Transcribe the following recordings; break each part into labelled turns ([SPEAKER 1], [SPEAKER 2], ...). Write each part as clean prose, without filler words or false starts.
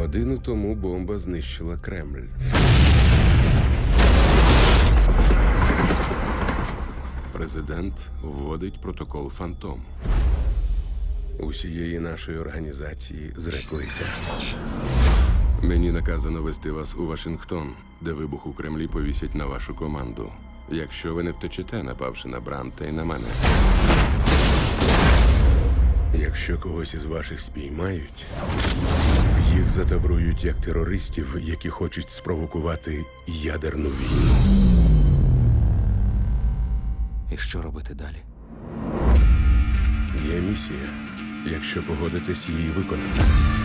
[SPEAKER 1] Годину тому бомба знищила Кремль. Президент вводить протокол «Фантом». Усієї нашої організації зреклися. Мені наказано вести вас у Вашингтон, де вибух у Кремлі повісять на вашу команду. Якщо ви не втечете, напавши на Бранта і на мене. Якщо когось із ваших спіймають, їх затаврують як терористів, які хочуть спровокувати ядерну війну.
[SPEAKER 2] І що робити далі?
[SPEAKER 1] Є місія, якщо погодитесь її виконати.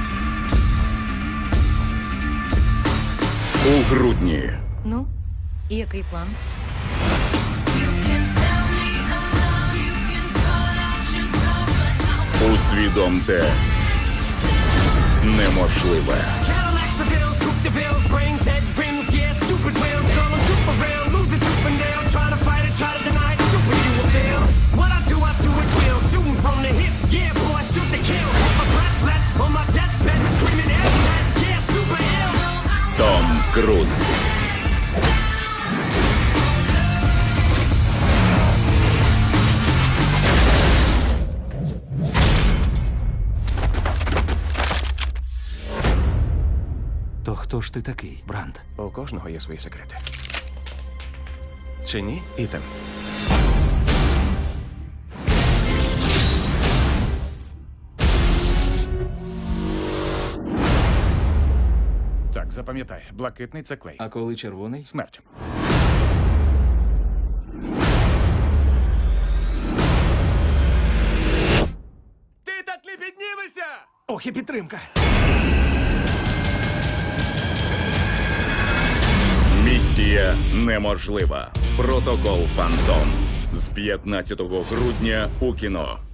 [SPEAKER 3] У грудні.
[SPEAKER 4] Ну, і який план?
[SPEAKER 3] Усвідомте неможливе. Том Круз.
[SPEAKER 2] То хто ж ти такий, Бранд?
[SPEAKER 5] У кожного є свої секрети. Чи ні, Ітан? Так, запам'ятай, блакитний це клей.
[SPEAKER 2] А коли червоний?
[SPEAKER 5] Смерть. Ти так не піднімешся!
[SPEAKER 2] Ох, і підтримка!
[SPEAKER 3] Місія неможлива. Протокол «Фантом» з 15 грудня у кіно.